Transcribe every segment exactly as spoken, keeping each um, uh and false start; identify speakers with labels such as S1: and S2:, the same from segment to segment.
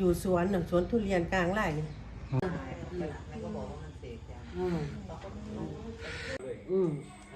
S1: อยู่สวนหนึ่งสวนทุเรียนกลางไร่นี่อืมอืม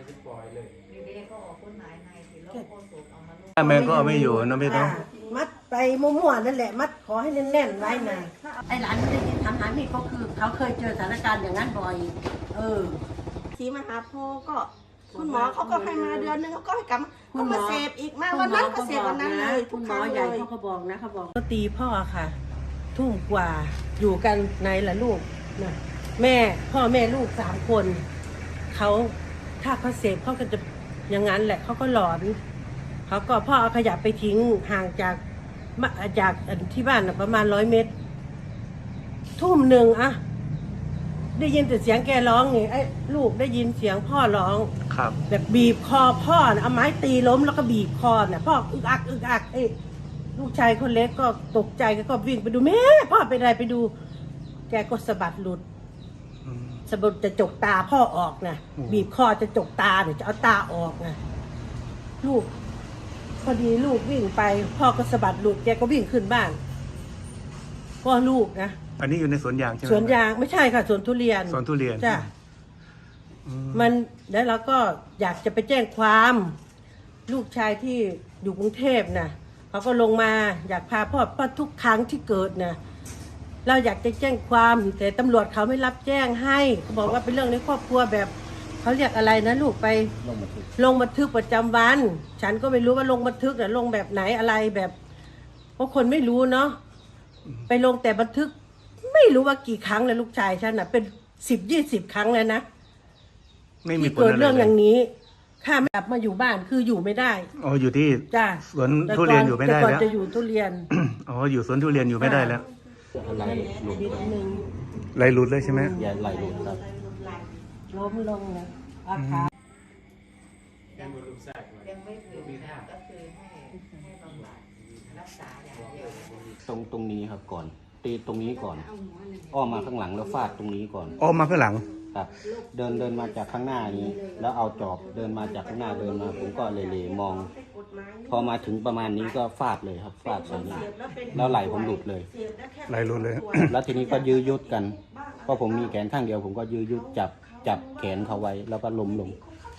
S2: แม่ก็เอาไม่อยู่นะพี่ต้อง
S1: มัดไปมั่วๆนั่นแหละมัดขอให้แน่นๆไว้นะไอ้หลานไม่ได้ยินทำหานี่เขาคือเขาเคยเจอสถานการณ์อย่างนั้นบ่อยเออ
S3: สีมหาโพธิ์ก็คุณหมอเขาก็ให้มาเดือนนึงเขาก็ให้กลับก็มาเสพอีกมาวันนั้นก็เสพวันนั้นเลยทุ
S1: คุ
S3: ก
S1: ณห
S3: ค
S1: มอ
S3: รั้ง
S1: ให
S3: เล
S1: ญ่
S3: ย
S1: เขาก็บอกนะเขาบอกก็ตีพ่อค่ะ ทุ่มกว่าอยู่กันในละลูกนะแม่พ่อแม่ลูกสามคนเขาถ้าเขาเสพเขาก็จะอย่างนั้นแหละเขาก็หลอนเขาก็พ่อเอาขยะไปทิ้งห่างจากจากที่บ้านประมาณร้อยเมตรทุ่มหนึ่งอะได้ยินแต่เสียงแกร้องไงไอ้ลูกได้ยินเสียงพ่อร้อง
S2: ครับ
S1: แบบบีบคอพ่อนะเอาไม้ตีล้มแล้วก็บีบคอน่ะพ่ออึกอักอึกอักไอ้ลูกชายคนเล็กก็ตกใจก็วิ่งไปดูแม่พ่อเป็นอะไรไปดูแกก็สะบัดหลุดสะบัดจะจกตาพ่อออกนะบีบคอจะจกตาเดี๋ยวจะเอาตาออกนะลูกพอดีลูกวิ่งไปพ่อก็สะบัดหลุดแกก็วิ่งขึ้นบ้านพ่อลูกนะ
S2: อันนี้อยู่ในสวนยางใช่ไหม
S1: สวนยางไม่ใช่ค่ะสวนทุเรียน
S2: สวนทุเรียน
S1: จ้ะมันแล้วเราก็อยากจะไปแจ้งความลูกชายที่อยู่กรุงเทพนะเขาก็ลงมาอยากพาพ่อพ่อทุกครั้งที่เกิดนะเราอยากจะแจ้งความแต่ตำรวจเขาไม่รับแจ้งให้เขาบอกว่าเป็นเรื่องในครอบครัวแบบเขาเรียกอะไรนะลูกไปลงบันทึกลงบันทึกประจำวันฉันก็ไม่รู้ว่าลงบันทึกน่ะลงแบบไหนอะไรแบบเพราะคนไม่รู้เนาะไปลงแต่บันทึกไม่รู้ว่ากี่ครั้งเลยลูกชายฉันน่ะเป็นสิบยี่สิบครั้งเลยนะที่เกิดเรื่องอย่างนี้ข้าไม่กลับมาอยู่บ้านคืออยู่ไม่ได้
S2: อ๋ออยู่ที่
S1: จ้า
S2: สวนทุเรียนอยู่ไม่ได้แล้ว
S1: จะอยู่ทุเรียน
S2: อ๋ออยู่สวนทุเรียนอยู่ไม่ได้แล้ว
S4: ไหลหลุด
S2: ไหลหลุดเลยใช่ไหม
S4: อย่าไหลหลุดครับ
S1: ล้มลงนะอาคา
S5: ยังไม่ถึงนะก็คือให้ให้บำบัดรักษาอย่างเดียว
S4: ตรงตรงนี้ครับก่อนตีตรงนี้ก่อนอ้อมมาข้างหลังแล้วฟาดตรงนี้ก่อน
S2: อ้อมมาข้างหลัง
S4: ครับเดินเดินมาจากข้างหน้านี้แล้วเอาจอบเดินมาจากข้างหน้าเดินมาผมก็เลยเลยมอง พอมาถึงประมาณนี้ก็ฟาดเลยครับฟาดใส่หน้าแล้วไหลผมหลุดเลย
S2: ไหลหลุดเลย
S4: แล้วทีนี้ก็ยื้อยุดกันเพราะผมมีแขนข้างเดียวผมก็ยื้อยุดจับจับแขนเขาไว้แล้วก็ล้มลง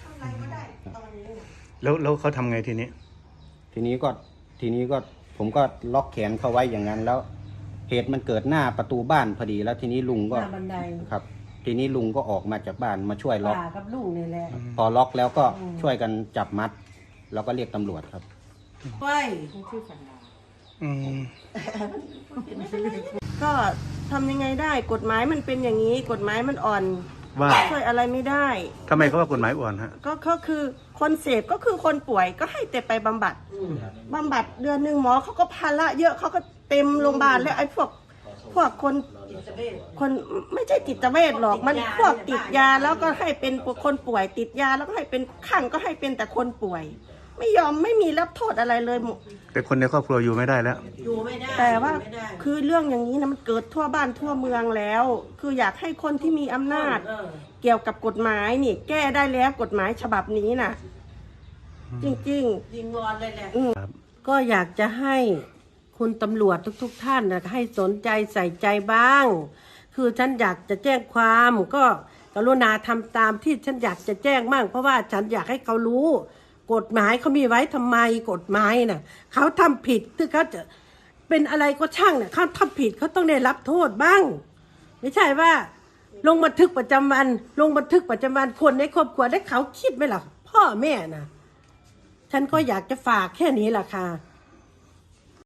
S2: แล้วแล้วเขาทำไงทีนี้
S4: ทีนี้ก็ทีนี้ก็ผมก็ล็อกแขนเขาไว้อย่างนั้นแล้วเหตุมันเกิดหน้าประตูบ้านพอดีแล้วทีนี้ลุงก็ครับทีนี้ลุงก็ออกมาจากบ้านมาช่วยล็อก
S1: กับลุงนี่แหละ
S4: พอล็อกแล้วก็ช่วยกันจับมัดแล้วก็เรียกตำรวจครับ
S1: ไป
S3: ก็ทำยังไงได้กฎหมายมันเป็นอย่างนี้กฎหมายมันอ่อน
S2: ว่า
S3: ช่วยอะไรไม่ได้
S2: ทำไมเขาว่ากฎหมายอ่อนฮะ
S3: ก็ก็คือคนเสพก็คือคนป่วยก็ให้แต่ไปบำบัดบำบัดเดือนหนึ่งหมอเขาก็ภาระเยอะเขาก็เต็มโรงพยาบาลแล้วไอ้พวกพวกคนคนไม่ใช่จิตเวชหรอกมันพวกติดยาแล้วก็ให้เป็นคนป่วยติดยาแล้วก็ให้เป็นข้างก็ให้เป็นแต่คนป่วยไม่ยอมไม่มีรับโทษอะไรเลย
S2: แต่คนในครอบครัวอยู่ไม่ได้แล้ว
S1: อยู่ไม่ได้
S3: แต่ว่าคือเรื่องอย่างนี้นะมันเกิดทั่วบ้านทั่วเมืองแล้วคืออยากให้คนที่มีอำนาจเกี่ยวกับกฎหมายนี่แก้ได้แล้วกฎหมายฉบับนี้น่ะจริงจริง
S1: ยิงวอนเลยแหละก็อยากจะให้คุณตำรวจทุกๆท่านนะให้สนใจใส่ใจบ้างคือฉันอยากจะแจ้งความก็กรุณาทำตามที่ฉันอยากจะแจ้งมั่งเพราะว่าฉันอยากให้เขารู้กฎหมายเขามีไว้ทำไมกฎหมายน่ะเขาทำผิดคือเขาจะเป็นอะไรก็ช่างเนี่ยเขาทำผิดเขาต้องได้รับโทษบ้างไม่ใช่ว่าลงบันทึกประจำวันลงบันทึกประจำวันคนในครอบครัวได้เขาคิดไหมล่ะพ่อแม่น่ะฉันก็อยากจะฝากแค่นี้แหละค่ะ